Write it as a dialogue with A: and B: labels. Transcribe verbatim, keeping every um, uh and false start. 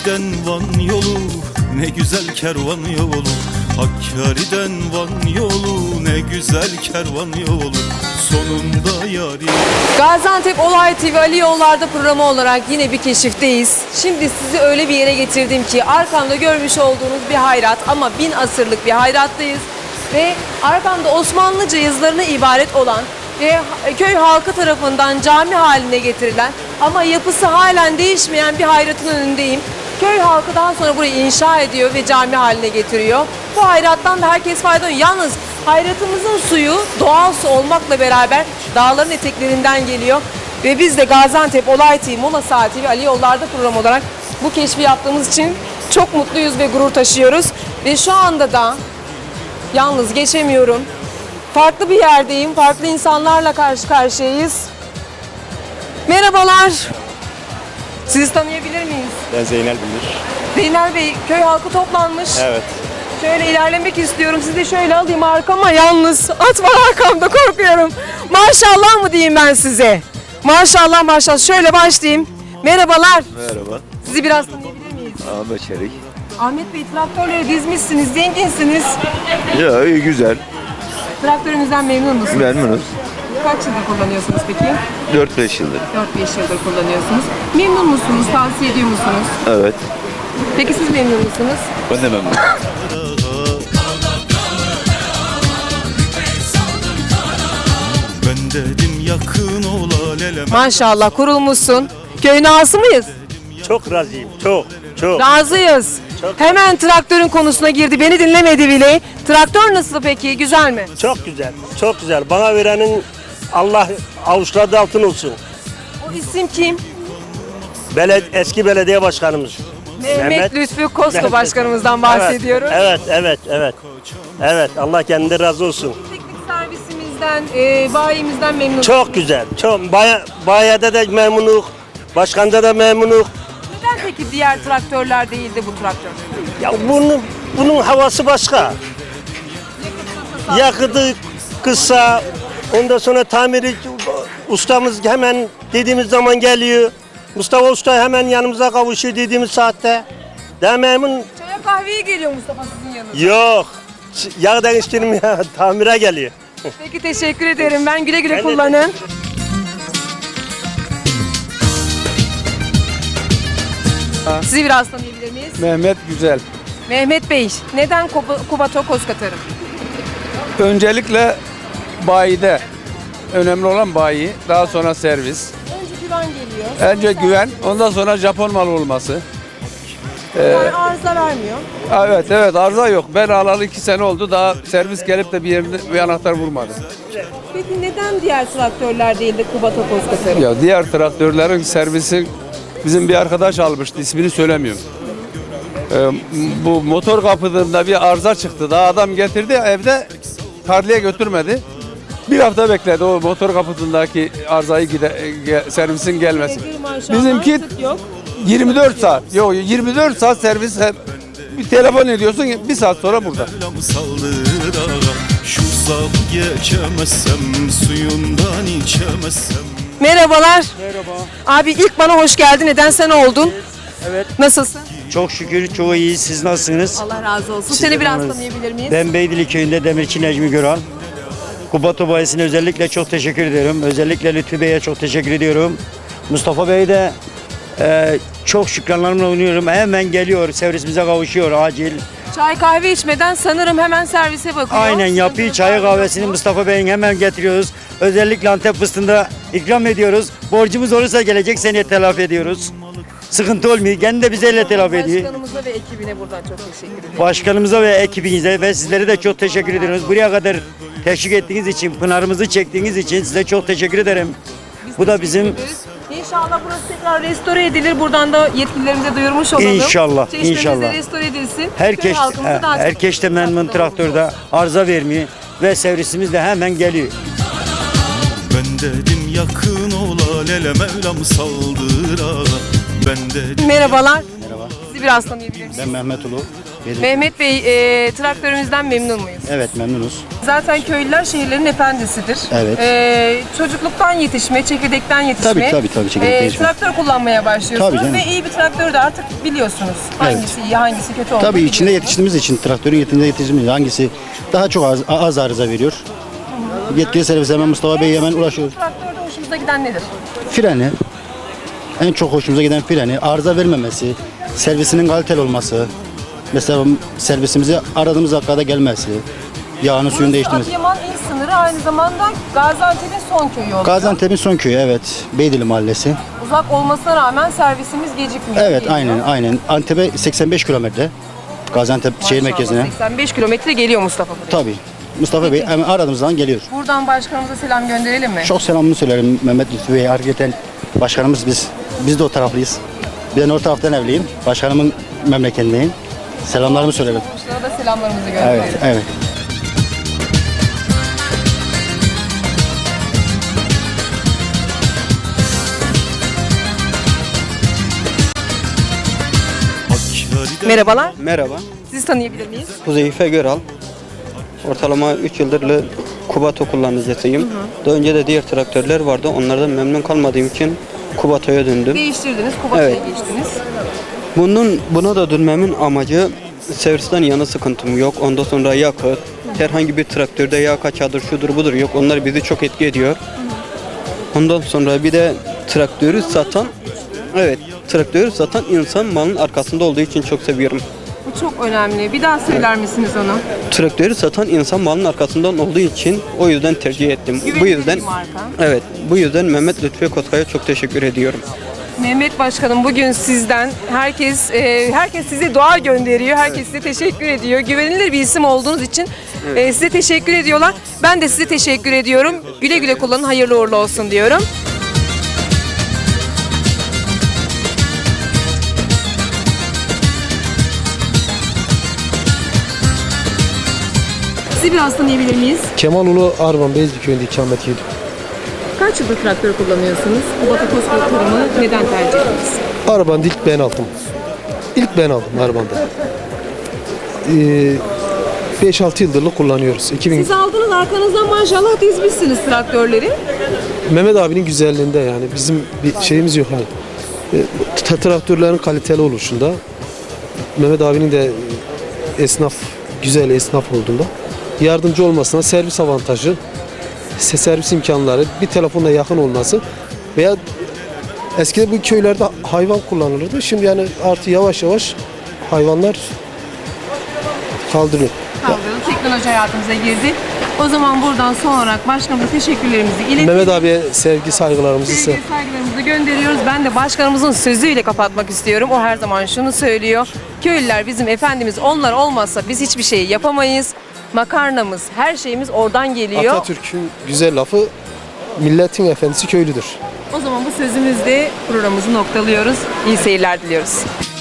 A: Hakkari'den Van yolu ne güzel kervan yolu. Hakkari'den Van yolu ne güzel kervan yolu. Sonunda yari.
B: Gaziantep Olay T V Ali Yollarda programı olarak yine bir keşifteyiz. Şimdi sizi öyle bir yere getirdim ki arkamda görmüş olduğunuz bir hayrat, ama bin asırlık bir hayrattayız. Ve arkamda Osmanlıca yazılarına ibaret olan ve köy halkı tarafından cami haline getirilen ama yapısı halen değişmeyen bir hayratın önündeyim. Köy halkı daha sonra burayı inşa ediyor ve cami haline getiriyor. Bu hayrattan da herkes faydalanıyor. Yalnız hayratımızın suyu doğal su olmakla beraber dağların eteklerinden geliyor. Ve biz de Gaziantep Olay T V, Mola Saati ve Ali Yollarda program olarak bu keşfi yaptığımız için çok mutluyuz ve gurur taşıyoruz. Ve şu anda da yalnız geçemiyorum. Farklı bir yerdeyim, farklı insanlarla karşı karşıyayız. Merhabalar. Sizi tanıyabilir miyiz?
C: Ben Zeynel Bilir.
B: Zeynel Bey, köy halkı toplanmış.
C: Evet.
B: Şöyle ilerlemek istiyorum. Sizi de şöyle alayım arkama, yalnız. At var arkamda, korkuyorum. Maşallah mı diyeyim ben size? Maşallah maşallah. Şöyle başlayayım. Merhabalar.
C: Merhaba.
B: Sizi biraz tanıyabilir miyiz?
C: Ahmet Çelik.
B: Ahmet Bey, traktörleri dizmişsiniz, zenginsiniz.
C: Ya iyi güzel.
B: Traktörünüzden memnun musunuz?
C: Memnunuz.
B: Kaç yıldır kullanıyorsunuz peki?
C: dört beş yıldır.
B: dört beş yıldır kullanıyorsunuz. Memnun musunuz? Tavsiye ediyor musunuz?
C: Evet.
B: Peki siz memnun musunuz?
C: Ben de memnunum.
A: Ben dedim yakın ola lelem.
B: Maşallah kurulmuşsun. Köyün ağası mıyız?
D: Çok razıyım, çok, çok.
B: Razıyız. Hemen traktörün konusuna girdi. Beni dinlemedi bile. Traktör nasıl peki? Güzel mi?
D: Çok güzel, çok güzel. Bana verenin Allah avuçladığı altın olsun.
B: O isim kim?
D: Beled eski belediye başkanımız.
B: Mehmet,
D: Mehmet-
B: Lütfü Kosko
D: Mehmet-
B: başkanımızdan bahsediyoruz.
D: Evet, evet, evet, evet. Evet, Allah kendinden razı olsun.
B: Teknik servisimizden, e, bayimizden memnun.
D: Çok güzel, çok. Baya, bayada da memnunuk, başkanda da memnunuk.
B: Neden peki diğer traktörler değil de bu traktör?
D: Ya bunun, bunun havası başka. Yakıtı kısa, ondan sonra tamiri ustamız hemen dediğimiz zaman geliyor. Mustafa Usta hemen yanımıza kavuşuyor dediğimiz saatte. Daha memnun.
B: Çaya kahveye geliyor Mustafa sizin yanınıza.
D: Yok. Yağ değiştirmeye tamire geliyor.
B: Peki teşekkür ederim. Ben güle güle
D: Ben de
B: kullanın. Sizi biraz tanıyabilir miyiz?
E: Mehmet Güzel.
B: Mehmet Bey, neden Kuba- Kubato Koskatarım?
E: Öncelikle bayide. Önemli olan bayi. Daha sonra servis.
B: Önce güven geliyor.
E: Önce güven. Ondan sonra Japon malı olması.
B: Yani arıza vermiyor.
E: Evet evet arıza yok. Ben alalı iki sene oldu. Daha servis gelip de bir yerinde bir anahtar vurmadı.
B: Peki neden diğer traktörler değil de Kubato Koskatarım?
E: Ya diğer traktörlerin servisi bizim bir arkadaş almıştı. İsmini söylemiyorum. Ee, bu motor kapıdığında bir arıza çıktı. Daha adam getirdi evde tarlaya götürmedi. Bir hafta bekledi o motor kapısındaki arızayı gide, ge- servisin gelmesi.
B: Peki, maşallah,
E: Bizimki
B: sık yok.
E: yirmi dört saat. Yok yirmi dört saat servis hep bir telefon ediyorsun bir saat sonra burada.
A: Mevlam saldır ağa. Şu saf geçemezsem suyundan içemezsem.
B: Merhabalar. Merhaba. Abi ilk bana hoş geldin. Neden sen oldun?
F: Evet.
B: Nasılsın?
F: Çok şükür çok iyi. Siz nasılsınız?
B: Allah razı olsun.
F: Siz
B: Seni
F: de
B: biraz
F: nasılsınız?
B: tanıyabilir miyiz?
F: Ben Beydili köyünde Demirci Necmi Göral. Kubato Bayisi'ne özellikle çok teşekkür ediyorum. Özellikle Lütfü Bey'e çok teşekkür ediyorum. Mustafa Bey'e de e, çok şükranlarımla oynuyorum. Hemen geliyor, servisimize kavuşuyor acil.
B: Çay kahve içmeden sanırım hemen servise bakıyor.
F: Aynen yapıyor çayı kahvesini Mustafa Bey'in hemen getiriyoruz. Özellikle Antep fıstığında ikram ediyoruz. Borcumuz olursa gelecek seneye telafi ediyoruz. Sıkıntı olmuyor. Kendi de bize elle telafi ediyor.
B: Başkanımıza ve ekibine buradan çok teşekkür ederim.
F: Başkanımıza ve ekibinize ve sizlere de çok teşekkür ediyoruz. Buraya kadar teşvik ettiğiniz için, pınarımızı çektiğiniz için size çok teşekkür ederim. Bu da bizim
B: İnşallah burası tekrar restore edilir. Buradan da yetkililerimize duyurmuş olalım.
F: İnşallah,
B: Çeşmemiz de
F: inşallah.
B: restore edilsin.
F: herkes
B: Köy halkımıza daha çok
F: herkes de memnun
B: katkıda
F: traktörde
B: olmuş
F: arıza vermiyor ve servisimiz de hemen geliyor.
A: Ben dedim yakın ola lele Mevlam saldır ağa. Ben dedim
B: olsun. Merhabalar. Merhaba. Sizi biraz tanıyabilir miyiz?
G: Ben Mehmet Ulu. Verim.
B: Mehmet Bey, e, traktörümüzden memnun muyuz?
G: Evet memnunuz.
B: Zaten köylüler şehirlerin efendisidir.
G: Evet.
B: E, çocukluktan yetişme, çekirdekten yetişme.
G: Tabii, tabii, tabii, çekirdekten
B: e,
G: yetişme.
B: Traktör kullanmaya başlıyorsunuz
G: Tabii canım.
B: ve iyi bir traktörü de artık biliyorsunuz. Hangisi iyi, hangisi kötü olduğunu
G: Tabii içinde
B: biliyorsunuz.
G: yetiştiğimiz için, traktörün yetiştiğimiz yetiştiğimiz hangisi daha çok az, az arıza veriyor. Yetkili servis hemen Mustafa Bey hemen ulaşıyor.
B: Traktörde hoşunuza giden nedir?
G: Freni, en çok hoşumuza giden freni, arıza vermemesi, servisinin kaliteli olması, mesela servisimize aradığımız dakikada gelmesi, yağını suyunu değiştirmesi.
B: Adıyaman il sınırı, aynı zamanda Gaziantep'in son köyü oluyor.
G: Gaziantep'in son köyü, evet, Beydili Mahallesi.
B: Uzak olmasına rağmen servisimiz gecikmiyor.
G: Evet,
B: geliyor.
G: aynen aynen. Antep'e seksen beş kilometre. Gaziantep şehir
B: Maşallah,
G: merkezine.
B: seksen beş kilometre geliyor Mustafa buraya.
G: Tabii. Mustafa Bey hemen aradığımız zaman geliyor.
B: Buradan başkanımıza selam gönderelim mi?
G: Çok selamını söylerim Mehmet Lütfü Bey. Hakikaten başkanımız biz. Biz de o taraflıyız. Ben o taraftan evliyim. Başkanımın memleketindeyim. Selamlarımı söylerim.
B: Komşulara da selamlarımızı gönderelim.
G: Evet, evet.
A: Hakkari'den
B: Merhabalar.
H: Merhaba,
B: Sizi tanıyabilir miyiz?
H: Huzeyfe Göral. Ortalama üç yıldır Kubato kullanıcısıyım. Daha önce de diğer traktörler vardı. Onlardan memnun kalmadığım için Kubato'ya döndüm.
B: Değiştirdiniz, Kubato'ya
H: Evet.
B: geçtiniz.
H: Bunun buna da dönmemin amacı servisten yana sıkıntım yok. Ondan sonra yakıt, herhangi bir traktörde yağ kaçadır, şudur budur yok. Onlar bizi çok etki ediyor. Ondan sonra bir de traktörü satan, evet traktörü satan insan malın arkasında olduğu için çok seviyorum.
B: Bu çok önemli. Bir daha söyler misiniz onu?
H: Traktörü satan insan malın arkasından olduğu için o yüzden tercih ettim.
B: Güvenilir
H: Bu yüzden
B: bir marka.
H: evet, bu yüzden Mehmet Lütfi Kotkaya çok teşekkür ediyorum.
B: Mehmet Başkanım, bugün sizden herkes e, herkes size dua gönderiyor. Herkes size teşekkür ediyor. Güvenilir bir isim olduğunuz için e, size teşekkür ediyorlar. Ben de size teşekkür ediyorum. Güle güle kullanın. Hayırlı uğurlu olsun diyorum. Sizi biraz tanıyabilir miyiz?
I: Kemal Ulu Arvan Beyazlı köyünde ikamet ediyor.
B: Kaç yıldır traktör kullanıyorsunuz? Bu Batı Koskoy kurumu neden tercih ettiniz?
I: Arabanı ilk ben aldım. İlk ben aldım arabanda. Ee, beş altı yıldırlık kullanıyoruz. iki bin
B: Siz aldınız, arkanızdan maşallah dizmişsiniz traktörleri.
I: Mehmet abinin güzelliğinde yani bizim bir şeyimiz yok hani. Ee, tra- traktörlerin kaliteli oluşunda Mehmet abinin de esnaf güzel esnaf olduğunda yardımcı olmasına servis avantajı, se- servis imkanları, bir telefonla yakın olması veya eskiden bu köylerde hayvan kullanılırdı. Şimdi yani artık yavaş yavaş hayvanlar kaldırıyor.
B: Kaldırıldı. Teknoloji hayatımıza girdi. O zaman buradan son olarak başkanımıza teşekkürlerimizi iletelim.
I: Mehmet abiye sevgi saygılarımızı ise
B: Sevgi saygılarımızı gönderiyoruz. Ben de başkanımızın sözüyle kapatmak istiyorum. O her zaman şunu söylüyor. Köylüler bizim efendimiz. Onlar olmazsa biz hiçbir şey yapamayız. Makarnamız, her şeyimiz oradan geliyor.
I: Atatürk'ün güzel lafı milletin efendisi köylüdür.
B: O zaman bu sözümüzle programımızı noktalıyoruz. İyi seyirler diliyoruz.